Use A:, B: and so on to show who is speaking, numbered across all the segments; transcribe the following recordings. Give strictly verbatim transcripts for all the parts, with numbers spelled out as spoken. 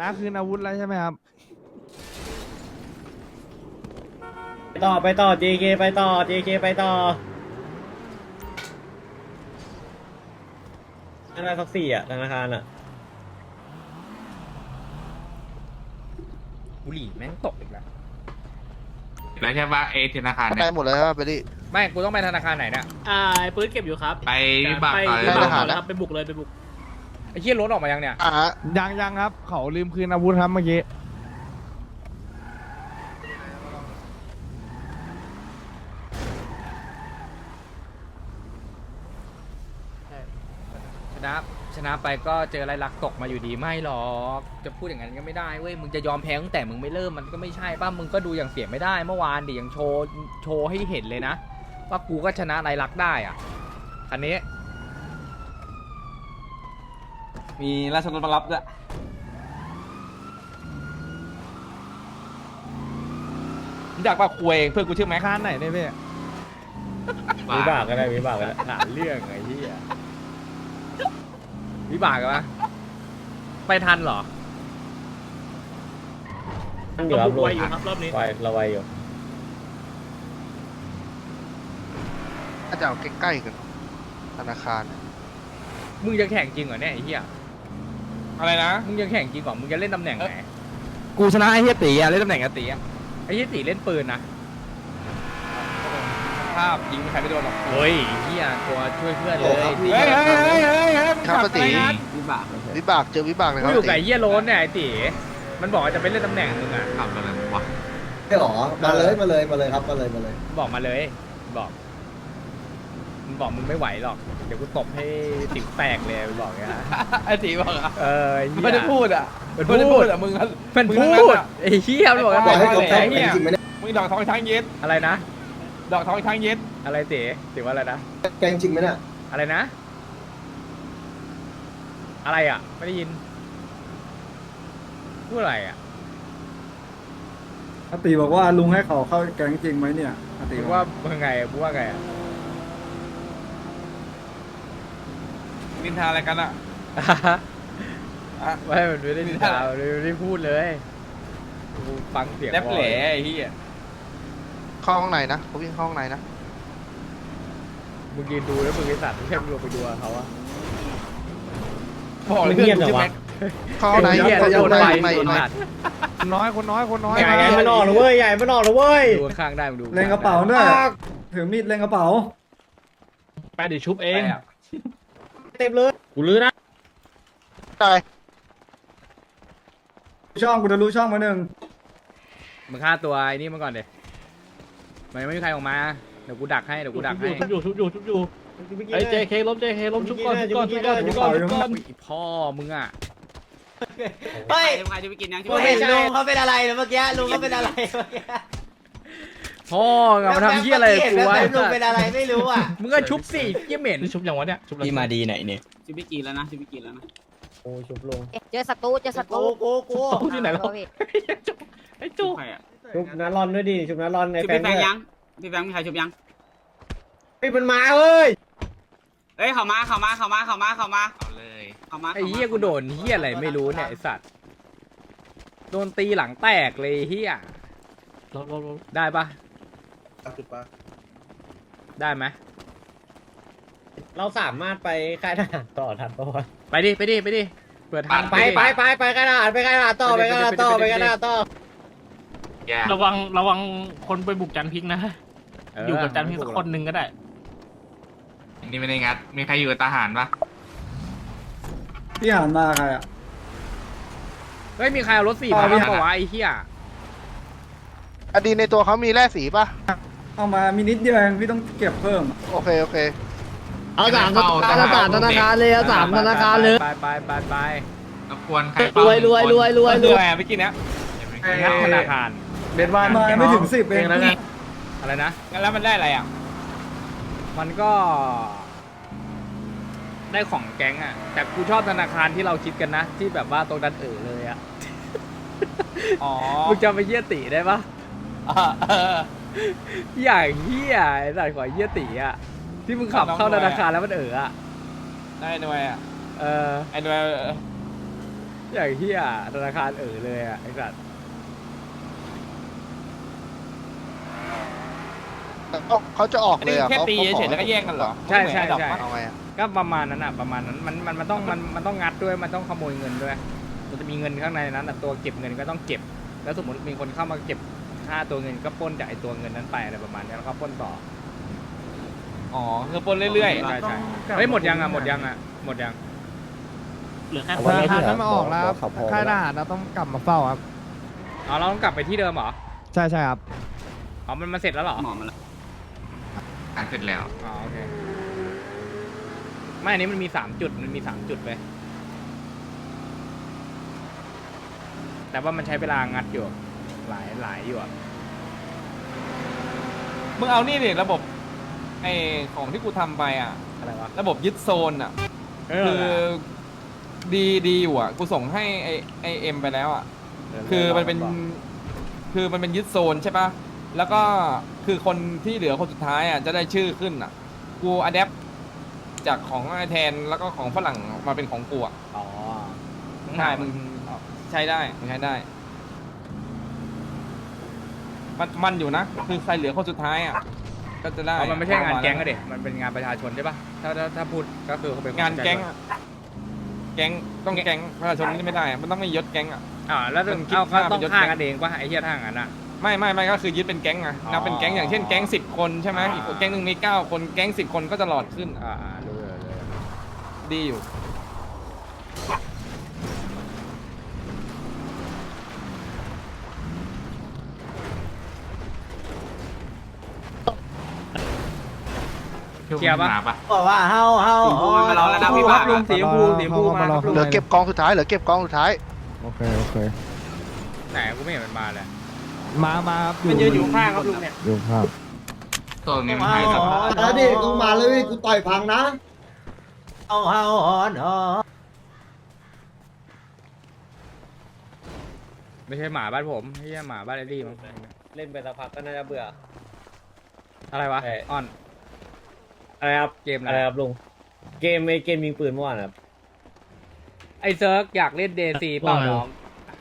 A: น้าคืนอาวุธแล้วใช่ไหมครับ
B: ไปต่อไปต่อ จี เค ไปต่อ จี เค ไปต่อธนาคารสักสี่อ่ะธนาคารอ่ะ
C: บุหรี่แม่งตกอีกแล้ว
D: แล้วใช่ปะเอธนาคาร
E: ไป
D: เนี่ย
E: หมดเลยครับไปดิ
C: ไม่กูต้องไปธนาคารไหนเนี่ย
F: อ่าปืนเก็บอยู่ครับ
D: ไปวิบาก
F: ไป
D: ต่อเลย
F: วิบาก
E: ไป
F: ต่อ
E: ทหาร
F: เลยครับไปบุกเลยไปบุก
C: ไอ้เหี้ยรถออกมายังเนี่ย
E: อ่า
A: ยังยังครับ เขาลืมคืนอาวุธครับเมื่อกี้
C: ชนะชนะไปก็เจออะไรลักตกมาอยู่ดีไม่หรอกจะพูดอย่างนั้นก็ไม่ได้เว้ยมึงจะยอมแพ้ตั้งแต่มึงไม่เริ่มมันก็ไม่ใช่ป่ะมึงก็ดูอย่างเสียไม่ได้เมื่อวานดิยังโชว์โชว์ให้เห็นเลยนะว่ากูก็ชนะไรลักได้อ่ะคันนี้
G: มีราชรถมารับด้วย
A: อยากมาคุยเพื่อนกูชื่อแม็กคานไหนเนี่ยพี่
B: วิบากก็ได้วิบากก็ได้
C: หาเรื่องไอ้เหี้ยวิบากปะไปทันเหรอ
B: ตั้งอยู่
F: เรา
B: ครับ
F: บุก
B: ลุง
F: ไวอยู่ครับรอบนี้
B: ไวเราไวอยู่
E: อาจจะเอาใกล้ๆกันธนาคาร
C: มึงจะแข่งจริงเหรอเนี่ยไอ้เหี้ย
A: อะไรนะ
C: มึงจะแข่งจริงเหรอมึงจะเล่นตำแหน่งไหน
A: กูชนะไอ้เฮียตีอะเล่นตำแหน่งอะตีอะ
C: ไอ้เหี้ยตีเล่นปืนนะ
A: ภาพยิงใครไม่โดนหรอก
C: เฮ้ยไอ้เหี้ยตัวช่วยเพื่อนเลย
A: เฮ้ยเฮ้ยเฮ้ยเฮ้ยเฮ้ย
E: ครับปกติ
G: วิบาก
E: วิบากเจอวิบากเลยค
C: กู
E: รับ
C: อยู่กับไอ้เหี้ยโรนเนี่ยไอ้ตีมันบอกว่าจะไปเล่นตำแหน่งมึงอ่ะ
D: ขับอะไรวะ
H: ไม่หรอ มาเลยมาเลยมาเลยครับมาเลยมาเลย
C: บอกมาเลยบอกมึงบอกมึงไม่ไหวหรอกเดี๋ยวกูตบให้ติ๋วแตกเลยมึงบอกเงี้ย
A: ไอ้ตีบอกอะ
C: เอออ้เหี้ย
A: ไม่ได้พูดอะ
C: มัน
A: ไม่ได้
C: พู
A: พู
C: ด
A: ดอะมึงอะ
C: มัน
A: มึง
C: พู
A: ทั้งนั้น
C: ด
A: อะ
C: ไอ้เหี้ยมันบอกว่า
H: ปล่อยให้
C: บอก
H: เขา
C: แล้
H: แข่ง
C: ว
H: จริงไหมเนี่ย
A: มึงดอกทองช้างเย็ด
C: อะไรนะ
A: ดอกทองช้างเย็ด
C: อะไรตีตีว่าอะไรนะ
H: แกงจริงไหมเนี่ย
C: อะไรนะ อะไรอ่ะไม่ได้ยินพูดอะไรอ่ะ
I: อาติบอกว่าลุงให้เขาเข้าแก๊งจริงไหมเนี่ยอาติ
C: มึง
I: ว่า
C: ว่ามึงไงมึงว่าไงอ่ะ
A: นินทาอะไรกันอะ
C: ไม่มันไม่ได้นินทามันไม่ได้พูดเลยกูฟังเสียง
A: แลบแหล่
C: บ่อย
A: ไอ้เหี้ย
E: เข้าห้องในนะเขาวิ่งเข้าห้องในนะ
C: มึงยืนดูแล้วมึงไอ้สัตว์ไม่ใช่มึงลงไปดูกับเขาอะ
A: บอกเลย
B: เงียบ
A: เพื่อนกู
B: จัง
A: ชื่อ
B: วะ
A: แม็ก
E: เข้าห้องใน
C: ไอ้เหี้ย
E: เข้า
C: โด
E: ห้อง
C: น
E: ใน
C: ไป
E: ใน
C: โดน
E: ใน
C: สัตว์
A: คนน้อยคนน้อยคนน้อย
B: ใหญ่ใหญ่มันออกเลยเว้ยใหญ่มันออกเลยเว้ย
C: ดูข้างๆได้มึงดู
I: เล่นกระเป๋าด้วยถือมีดเล่นกระเป๋า
F: ไปเดี๋ยวชุบเอง
B: เต็มเลยกูลื้อนะ
E: ตาย
I: ช่องกูจะรู้ช่องมาหนึ่ง
C: มึงฆ่าตัวไอ้นี่มาก่อนเดี๋ยวมันยังไม่มีใครออกมาเดี๋ยวกูดักให้เดี๋ยวกูดักให้
F: ชุบอยู่ชุบอยู่ชุบอยู่ไอ้เจเคล้มเจเคล้มชุบก่อนชุบก่อนชุบก่อนชุบก่อนชุบก่อน
C: อุ๊ยพ่อมึงอ่ะ
J: เฮ้ย
F: ใครจะไปกินยัง
J: กูเห็นลุงเขาเป็นอะไรนะเมื่อกี้ลุงเขาเป็นอะไรเมื่อกี้
C: พ่อมึงอะมาทำเหี้ยอะไรกับกูวะ
J: แบ
C: ไอ้
J: บลุง
C: สัต
J: เป็น
C: ว์
J: อะไรไม่รู้อ่ะ
C: มึงก็ชุบสิเหี้ยเหม็น
F: ชุบยังวะเนี่ยชุบ
G: พี่มาดีไหนเนี่ย
F: ชุบไปกินแล้วนะชุบไปกินแล้วนะ
B: โอ้ชุบลง
J: เจอศัตรูเจอศัตรูกูกู
F: ชุบที่ไหนแล้วไอ้จุ๊บ
B: ชุบน้ารอนด้วยดิชุบน้ารอนใน
F: ชุบ
B: แฟ
F: พี่
B: น
F: แฟ
B: ด้
F: ง
B: วย
F: ยังพี่แฟงมีใครชุบยัง
B: เฮ้ยมันมาเว้ย
F: เอ้ยเข้ามาเข้ามาเข้ามาเข้ามาเข้ามา
D: เอาเลย
F: เข้ามา
C: ไอ้เหี้ยกูโดนเหี้ยอะไรไม่รู้เนี่ยไอ้สัตว์โดนตีหลังแตกเลยเหี้ย
F: ลบลบลบ
C: ได้ปะ
H: จุดปะ
C: ได้ไหม
B: เราสามารถไปค่ายทหารต่อทันปะวะ
C: ไปดิไปดิไปดิเปิดทาง
B: ไปไปไปไปค่ายทหารไปค่ายทหารต่อไปค่ายทหารต่อไปค่ายทหารต่อ
D: แย่
F: ระวังระวังคนไปบุกจันพิกนะ
C: เ
F: อยู่กับจันพิกสักคนหนึ่งก็ได้
D: อันนี่ไม่ได้งัด มีใครอยู่กับทหารปะ
I: พี่หานมาใครอ่ะ
C: เฮ้ยมีใครเอารถสี่มา
I: เอา
C: บ้าง
I: ไป
C: ปะวะไอ้เหี้ย
E: อดีในตัวเขามีแร่สีป่ะ
I: เอามามีนิดเดียวเองพี่ต้องเก็บเพิ่ม
E: โอเคโอเค
D: เอาสามเอาสามธนาคารเลยเอาสามธนาคารเลย
C: ไปไปไปไป
D: รบกวนใครเฝ้าร
G: วยรวยรวยรวย
A: เหนื่อยไปกินนะ
C: งัดธนาคาร
A: เบนวัน
I: มาไม่ถึงสิบเอง
A: แล้วไง
C: อะไรนะ
A: แล้วมันได้อะไรอ่ะ
C: มันก็ ได้ของแก๊งอะแต่กูชอบธนาคารที่เราคิดกันนะ ที่แบบว่าตรงนั้นเออเลยอะ
A: อ๋อ
C: มึงจำไปเยี่ยตีได้ปะ
A: เออ
C: อย่างเฮียไอ้สัตว์ขอเยี่ยตีอะที่มึงขับเข้าธนาคารแล้วมันเอออะ
A: ได้หน่วยอ่ะ
C: เออ
A: ไอ้หน่วย
C: อย่างเฮียธนาคารเออเลยอ่ะไอ้สัตว์
E: เขาจะออก
A: อัน
E: เล
A: นี้
E: ยอ่ะ
A: แค่
E: เขา
A: ตี
E: เขาข
A: เฉ
E: อย
A: ๆแล้วก็แย่งกันเหรอ
C: ใช่ใช่ใช่
E: เอาไงอ่ะ
C: ก็ประมาณนั้นอ่ะประมาณนั้นมันมันมันต้องมันมันต้องงัดด้วยมันต้องขโมยเงินด้วยมันจะมีเงินข้างในนั้นแต่ตัวเก็บเงินก็ต้องเก็บ แล้วสมมติมีคนเข้ามาเก็บค่าตัวเงินก็ปล้นจากไอ้ตัวเงินนั้นไปอะไรประมาณนี้แล้วก็ปล้นต่อ
A: อ๋อคือปนเรื่อย
C: ใช่ใช่เฮ้ยหมดยังอ่ะหมดยังอ่ะหมดยัง
F: เหลือแค่
D: ธนาคารนั้นมาออกแล้วค่ายทหารเราต้องกลับมาเฝ้าครับ
C: อ๋อเราต้องกลับไปที่เดิมเหรอ
D: ใช่ใช่ครับ
C: อ๋อมันมาเสร็จแล้วเหรอ
G: หมอมาแล้ว
C: อ่าเสร็จแล้วอ๋อโอเคไม่อันนี้มันมีสามจุดมันมีสามจุดไปแต่ว่ามันใช้เวลางัดอยู่หลายหลายอยู่อ่ะ
A: ๆมึงเอานี่ดิระบบไอของที่กูทำไปอ่ะ
C: อะไรวะ
A: ระบบยึดโซนอ่ะ
C: เอ
A: คือ
C: อ
A: ดีดีอยู่อ่ะกูส่งให้ไอไอเอ็มไปแล้วอ่ะคือมันเป็นคือมันเป็นยึดโซนใช่ปะแล้วก็คือคนที่เหลือคนสุดท้ายอ่ะจะได้ชื่อขึ้นอ่ะกูอะแดปจากของไอแทนแล้วก็ของฝรั่งมาเป็นของกูอ่ะ
C: อ๋อ
A: ใช่มึงใช้ได้มึงใช้ได้ มันมันอยู่นะ คือใครเหลือคนสุดท้ายอ่ะ ก็จะได้
C: อ๋อมันไม่ใช่งานแก๊งก็เด็มันเป็นงานประชาชนใช่ปะถ้าถ้าถ้าพูดก็คือเขาเป็น
A: งานแก๊ง
C: ประชช
A: อะแก๊งต้องแก๊งประชาชนนี่ไม่ได้ มันต้องไม่ยศแก๊งอ่ะ
C: อ่าแล้วต้อง
A: มันคิด
C: เอาก็
A: ค่า
C: ต้อง
A: เป็นยศ
C: ฆ่า
A: แก๊ง
C: กันเองปะไอ้เหี้ยทางนั้นอ่ะ
A: ไม่ไม่ไม่ก็คือยึดเป็นแก๊งไง
C: อ๋อ
A: นับเป็นแก๊งอย่างเช่นแก๊งสิบคนใช่ไหม
C: อ่า
A: อีกแก๊งหนึ่งมีเก้าคนแก๊งสิบคนก็จะหลอดขึ้น
C: อ่าอ่ารู้เลยรู้เลย
A: ดีอยู่
C: เคลียร์ปะ
J: บอกว่าเฮาเฮา
G: สีชมพูมันมาร้องแล้วนะพี่บ้า
C: ลุงสีชมพูสีชมพูมาครับลุง
E: เหลือเก็บกองสุดท้ายเหลือเก็บกองสุดท้าย
D: โอเคโอเค
C: ไหนกูไม่เห็นมันมาเลย
D: มามาครับ
F: มันยืนอยู่ข้างครับลุงเนี่ย
D: อยู่ครับ
G: ตัวนี้มัน
J: เฮา
G: ให้สัมภาษณ์
H: แล้วดิกูมาเลยกูต่อยพังนะ
J: เฮาเฮาฮอนฮอ
C: ไม่ใช่หมาบ้านผมไม่ใช่หมาบ้านไอ้ลี่มั้ง
B: เล่นไปสักพักก็น่าจะเบื่อ
C: อะไรวะ
B: เอ้ย
C: ออน
B: อะไรครับ
C: เกมอะไร
B: อะไรครับลุงเกมไอเกมยิงปืนเมื่อวานครับ
C: ไอ้เซิร์กอยากเล่นเดซีเปล่าน้อง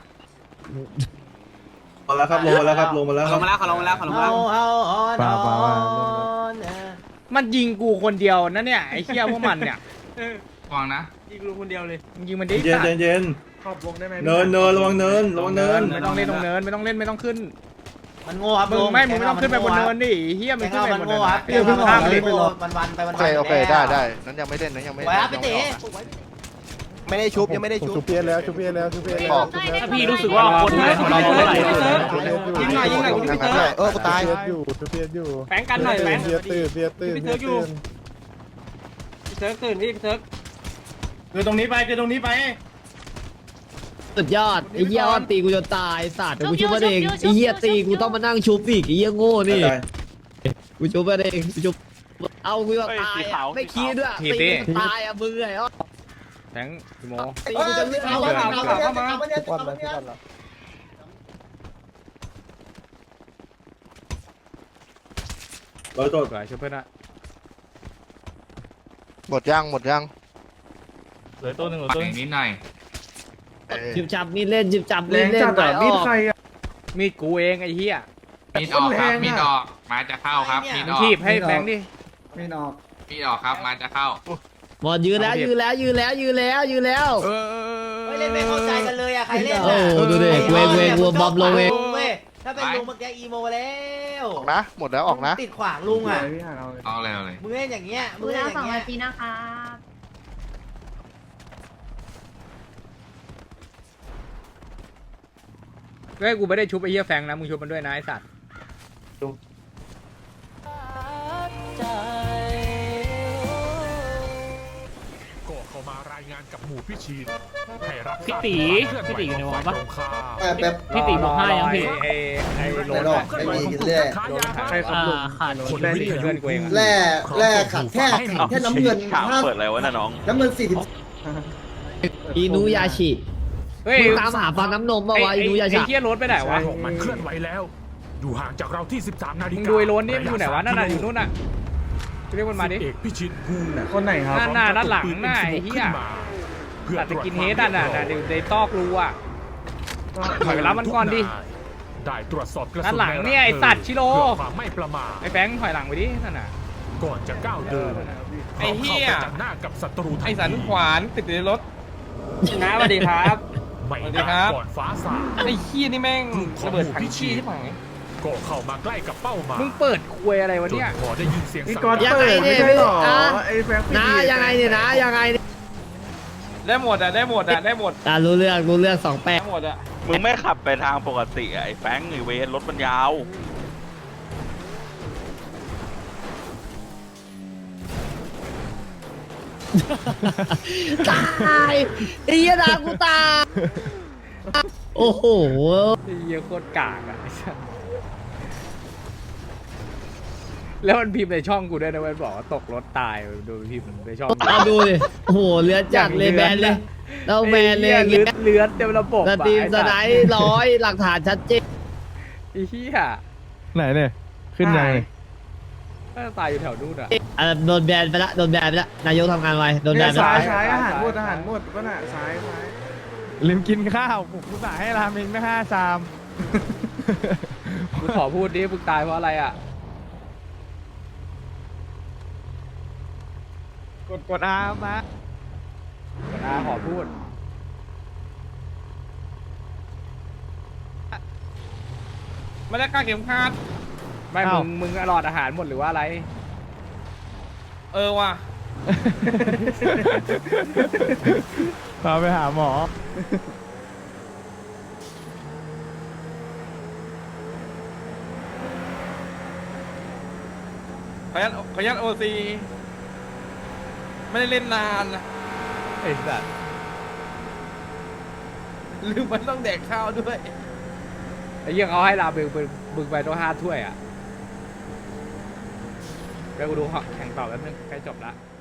H: มาแล้วครับลงมาแล้วครับลงมาแล้ว
G: เขาลงมาแล้วเขาลงมาแล้วเขาลงมา
J: เฮา
G: แล้ว
J: เฮาฮอน
D: ป่า
J: ฮ
D: ป่า
J: อ
D: ป่า
J: นเออ
C: มันยิงกูคนเดียวนะเนี่ยไอ้เหี้ยพวกมันเนี่ย
G: วางนะ
F: ยิงลุงคนเดียวเลย
C: มึงยิงมันดิ
H: เย็น
C: สัต
H: เย็น
C: ว์
H: เย็น
F: ขอบวงได้ไหม
H: เนินเนินระวังเนินระวังเนิน
C: ไม่ต้องเล่นตรงเนินไม่ต้องเล่นไม่ต้องขึ้น
J: มันโง่ครับ
C: มึง
J: ลุง
C: ไม่มึงไม่ต้องขึ้นไปบนเนินดิไอ้เหี้ยมึ
J: แก
C: ง
J: ง
C: ขึ้น
J: เรา
C: ไป
J: มัน
C: บนเนิ
J: โง่
C: น
J: ครับ
C: เดี๋ยวเพิ่ง
J: ข้า
C: ข้าม ม
J: ไป
C: ไป
J: โง่วันวันไปวัน
E: โอ
J: วัน
E: เคโอเคได้ได้นั้นยังไม่เล่นนั้นยังไม่
J: ไว้
E: เล่น
J: ครับพี่ตี
H: ไม่ได้ชุบยังไม่ได้ชุบ
D: ชุบเพียนแล้วชุบเพียนแล้วชุบเพียนแล้ว
E: บอก
F: ถ้าพี่รู้สึกว่าคนไหนของเราเท่าไหร่
D: ยิงหน่อยยิงหน่อย
E: ทางนั้นด้วยเออกูตาย
D: อยู่ชุบเพียนอยู่
F: แฝงกันหน่อยแฝง
D: เพียนตื่นเพียนตื่น
F: พี่เซิร์กอยู่ พี่เซิร์กตื่นพี่พี่เซิร์กคือตรงนี้ไปคือตรงนี้ไป
D: สุดยอดไอ้เหี้ยอ้อนตีกูจนตายสัตว์เดี๋ยวกูชุบมันเองไอ้เหี้ยตีกูต้องมานั่งชุบอีกไอ้เหี้ยโง่นี่กูชุบมันเองกูชุบเอากูจะตายอะไม่คิดด้วยตีกูตายอ่ะมึงไงอ้อ
C: แทงพี่โม
D: ตีกูจะเลือก
H: เอา
D: เอา
H: เอา
D: เอา
H: เอา
D: เอา
H: เอา
D: เอา
H: เอา
D: ทุกวันเลยทุกวันเลย
H: ร้อยตัว
C: สวยช่วยเพื่อนนะ
E: หมดยังหมดยัง
F: เหลือตัวหนึ่งเหลือ
G: ปัด
F: ตัว
G: อย่างนี้หน่อย
E: เออ
D: จิบจับมีดเล่นจิบจับมีดเล่นหน่อยอ้อ
C: มีดกูเองไอ้เหี้ย
G: มีดออกครับมีดออกมาจะเข้าครับมีด
C: มึ
G: อง อก
C: ทีบให้แฟงดิ
I: ไม่นอก
G: มีดออกครับมาจะเข้า
D: หมดยืนแล้วยืนแล้วยืนแล้วยืนแล้วยืนแล้ว
J: เฮ้ยเล่นไม่เข้าใจกันเลยอะใครเล่น
D: โอ้โหดูดิเวงเวงวัวบอมลงเอง
J: เว้ยถ้าเป็นลุงเมื่อกี้อีโมแล้ว
E: ออกนะหมดแล้วออกนะ
J: ติดขวางลุงอะ
G: เอาเลยเอาเลย
J: มึงเล่นอย่างเงี้ยมึ
K: ดู
J: งเล่น
K: แล้
J: อ
K: วสอย่าง
J: งเงี้
K: นาย ทีนะคะ
C: เฮ้ยกูไม่ได้ชุบไอ้เหี้ยแฟงนะมึงชุบมันด้วยนะไอ้สัตว์
L: ก็เข้ามารายงานกับหมู่พิชิตให้รับ
F: พี่ตีพี่ตีอยู่ในวงปะ
H: แบบ
F: พี่ตีบอกให้ยังพี่
C: ไอ้ไอ้โร
H: ไม่
C: น
H: รอ
C: อะ
H: ดไม่มีกินแร่
F: ใช่ครับลุงขาด
C: คนได้ดิเพื่อนกูเองอะ
H: แร่แร่ขัดแค่ขัดแค่น้ำเงินห้า
L: เปิดอะไรวะน่ะน้อง
H: น้ำเงินสี่สิบ
D: อินูยาชิ
C: เฮ้ย
D: มึงตามหาฟันน้ำนมมา
C: ไอ้
D: วะอินูยา
C: ไอ้
D: ชิ
C: เหี้ยโรนไปไหนวะ
L: มันเคลื่อนไหวแล้ว อยู่ห่างจากเราที่สิบสามนาฬิ
C: มึง
L: กา
C: ดูไอ้โรนนี่มันอยู่ไหนวะนั่นน่ะอยู่นู่นน่ะเรียกมันมาดิ
L: เอกพิชิตภู
F: คนไหนครับ
C: หน้าหน้าด้านหลังหน้าไอ้เหี้ย
L: ขึ้นมา
C: ตัดสกินเฮดอ่ะน่ะน่ะอยู่ในตอกรูอ่ะถอยไปรับมันก่อนดิ
L: ได้ตรวจสอบกระสุน
C: ด้านหลังเนี่ยไอ้สัตว์ชิโร่
L: เพื่อความไม่ประมาท
C: ไอ้แฟงถอยหลังไปดินั่นน่ะ
L: ก่อนจะก้าวเดิน
A: ไอ้เหี้ย
L: พร้อมข้าประจันหน้ากับศัตรูทั
A: ไอ
L: ที
A: สันขวานติดอยู่ในรถ
B: นะสวัสดีครับ
L: ไม่
A: สวัสดี
L: นาน
A: ครับ
L: ก่อนฟ้าสาง
A: ไอ้ขี้นี่แม่ง
L: ของ
A: ระเบิด
L: หมู่
A: ถัง
L: พิชิ
A: ขี้
L: ต
A: ใช่ไหม
L: ก็เข้ามาใกล้กับเป้าหมาย
C: มึงเปิดคุยอะไรวะ
L: จน
C: เนี่ย
L: พอได้ยินเสียง
I: พี่
L: สั่ง
I: กอด
L: การ
D: ยังไงเนี่ยพี่อ่ะ
I: ไอ้แฟง
D: นะยังไงเนี่ยนะยังไงเนี่ย
A: ได้หมดอ่ะได้หมดอ่ะได้หมด
D: อ่ะรู้เรื่องรู้เรื่องสองแปด
A: ได้หมดอ่ะ
F: มึงไม่ขับไปทางปกติไอ้แฟงไอ้เวรรถมันยาว
D: ตายไอ้เหี้ยดากูตายโอ้โห
C: ไอ้เหี้ยโคตรกากอ่ะไอ้สัสแล้วมันพิมพ์ในช่องกูด้วยนะมันบอกว่าตกรถตายดูพิมพ์ในช่อง
D: เอาดูดิโอ้โหเลือดจัดเลยแบนเลยเราแบนเลยอย่าง
C: เลื
D: เงี้
C: อย ดเลือดเต็มระบบ
D: ส
C: อะ
D: ตรีม
C: ไอ้
D: ส
C: สัส
D: ไนด์ร้อยหลักฐานชัดเจน
C: ไอ้เหี้ย
I: ไหนเนี่ยขึ้นยังไง
C: น่าจะตายอยู่แถวนู้นอ่ะ
D: อ่ะโดนแบนไปละโดนแบนไปละนายกทำงานไวโดนแบนไป
I: ซ้าย
D: ละ
I: ซ้ายอาหารหมด
C: ซ้าย
I: อาหารหมดก็น่ะซ้ายซ้ายลืมกินข้าวผมกูสั่งให้ราเมงไม่ห้าชาม
C: มึงขอพูดดิมึงตายเพราะอะไรอ่ะ
I: กดกดอาร์มา
C: อาขอพูด
A: ไม่ได้กล้าเข็มขัด
C: ไม่มึงมึงหลอดอาหารหมดหรือว่าอะไร
A: เออว่ะ
I: พาไปหาหมอ
A: ขออนุญาตขออนุญาตโอซีไม่ได้เล่นนานนะ
C: ไอ้สัส
A: ลืมมันต้องแดกข้าวด้วย
C: ไอ้เหี้ยเขาให้ลาบึงบึงบึงไปต้องห้าถ้วยอ่ะเดี๋ยวกูดูแข่งต่อแล้วนึงใกล้จบละ